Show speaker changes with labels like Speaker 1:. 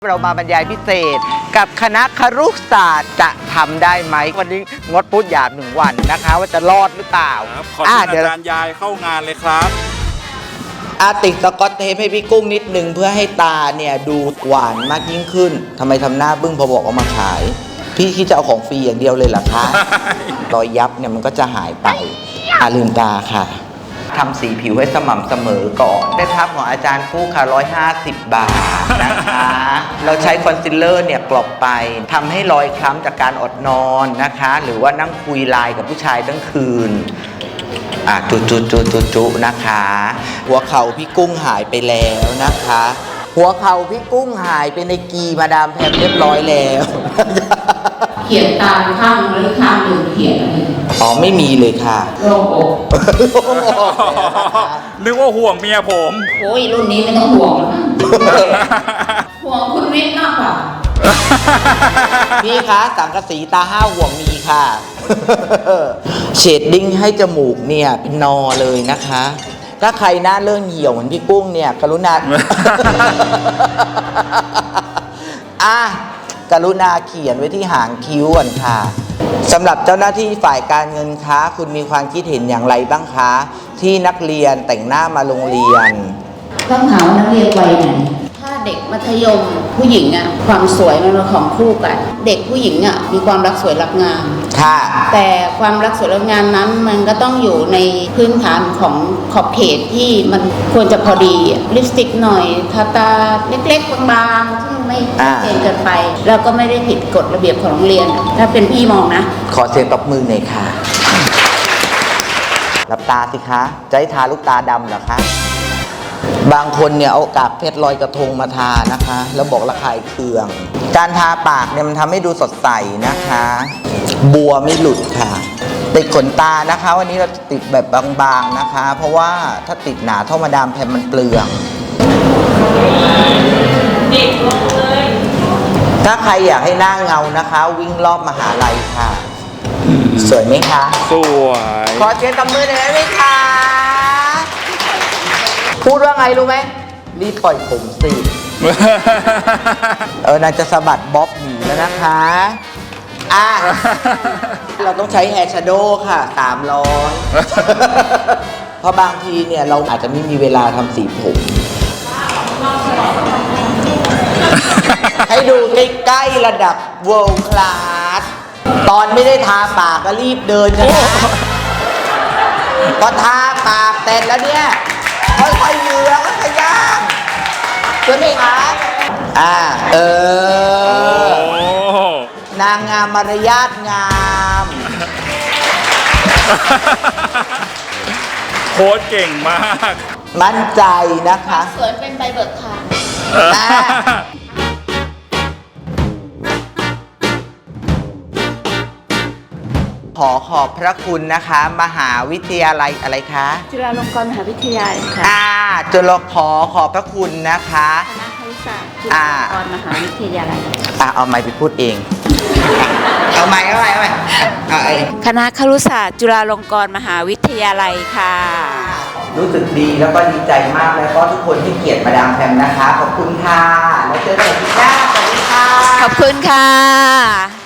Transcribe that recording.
Speaker 1: เรามาบรรยายพิเศษกับคณะครุศาสตร์จะทำได้ไหมวันนี้งดพูดหยาบ1 วันนะคะว่าจะรอดหรือเปล่า
Speaker 2: ขอเชิญอาจารย์ยายเข้างานเลยครับ
Speaker 1: ติดสกอตเทปให้พี่กุ้งนิดนึงเพื่อให้ตาเนี่ยดูหวานมากยิ่งขึ้นทำไมทำหน้าบึ้งพอบอกเอามาขายพี่คิดจะเอาของฟรีอย่างเดียวเลยเหรอคะ รอยยับเนี่ยมันก็จะหายไปลืมตาค่ะทำสีผิวให้สม่ำเสมอก่อนได้ทับของอาจารย์กู้ค่ะ150 บาทนะคะเราใช้คอนซีลเลอร์เนี่ยกลบไปทำให้รอยคล้ำจากการอดนอนนะคะหรือว่านั่งคุยไลน์กับผู้ชายทั้งคืนจุนะคะ หัวเข่าพี่กุ้งหายไปแล้วนะคะ หัวเข่าพี่กุ้งหายไปในกีมาดามแพมเรียบร้อยแล้ว
Speaker 3: เขียนตามข้างหรือข้างหนึ่งเขียนอะไร
Speaker 1: ไม่มีเลยค่ะ
Speaker 3: โล่งอก
Speaker 2: นึกว่าห่วงเมียผม
Speaker 3: โอ้ยรุ่นนี้ไม่ต้องห่วงห่วงคุณวิทย์มากกว่า
Speaker 1: พี่คะสังกะสีตา5 ห่วงมีค่ะเชดดิ้งให้จมูกเนี่ยเป็นนอเลยนะคะถ้าใครหน้าเริ่มเหี่ยวเหมือนพี่กุ้งเนี่ยกรุณากรุณาเขียนไว้ที่หางคิ้วก่อนค่ะสำหรับเจ้าหน้าที่ฝ่ายการเงินคะคุณมีความคิดเห็นอย่างไรบ้างคะที่นักเรียนแต่งหน้ามาโรงเรียน
Speaker 3: ต้องถามว่านักเรียนวัยไหนถ้าเด็กมัธยมผู้หญิงอะความสวยมันเป็นของคู่กันเด็กผู้หญิงอะมีความรักสวยรักงาม
Speaker 1: ค่ะ
Speaker 3: แต่ความรักสวยรักงามนั้นมันก็ต้องอยู่ในพื้นฐานของขอบเขตที่มันควรจะพอดีลิปสติกหน่อยทาตาเล็กๆบางๆซึ่งไม่เกินเกินไปแล้วก็ไม่ได้ผิดกฎระเบียบของโรงเรียนถ้าเป็นพี่มองนะ
Speaker 1: ขอเสียงตบมือหน่อยค่ะหลับตาสิคะจะให้ทาลูกตาดำเหรอคะบางคนเนี่ยเอากากเพชรลอยกระทงมาทานะคะแล้วบอกระคายเคืองการทาปากเนี่ยมันทำให้ดูสดใสนะคะบัวไม่หลุดค่ะติดขนตานะคะวันนี้เราจะติดแบบบางๆนะคะเพราะว่าถ้าติดหนาเท่ามาดามแพมมันเปลืองถ้าใครอยากให้หน้าเงานะคะวิ่งรอบมหาลัยค่ะสวยไหมคะ
Speaker 2: สวย
Speaker 1: ขอเสียงตบมือหน่อยได้ไหมคะพูดว่าไงรู้ไหมรีบปล่อยผมสินางจะสะบัดบ๊อบหนีแล้วนะคะเราต้องใช้แฮร์ชโดว์ค่ะ300เพราะบางทีเนี่ยเราอาจจะไม่มีเวลาทำสีผมให้ดูใกล้ๆระดับ world class ตอนไม่ได้ทาปากก็รีบเดินกันนะพอทาปากเสร็จแล้วเนี่ยค่อยๆเหยื่อค่อยๆย่างใช่ไหมคะนางงามมารยาทงาม
Speaker 2: โค้ชเก่งมาก
Speaker 1: มั่นใจนะคะ
Speaker 3: สวยเป็นใบเบิกทาง
Speaker 1: ขอบพระคุณนะคะมหาวิทยาลัยอะไรคะ
Speaker 4: จุฬาลงกรณ์มหาวิทยาลัยค่ะ
Speaker 1: จุฬาขอบพระคุณนะคะ
Speaker 4: คณะครุศาสตร์จุฬาลงกรณ์มหาวิทยาลัย
Speaker 1: เอาไมค์ไปพูดเองเอาไมค์
Speaker 4: คณะครุศาสตร์จุฬาลงกรณ์มหาวิทยาลัยค่ะ
Speaker 1: รู้สึกดีแล้วก็ดีใจมากแล้วก็ทุกคนที่เกียรติมาดามแพมนะคะขอบคุณค่ะแล้วเจอกันอีกหน้าสวัสดีค่ะ
Speaker 4: ขอบคุณค่ะ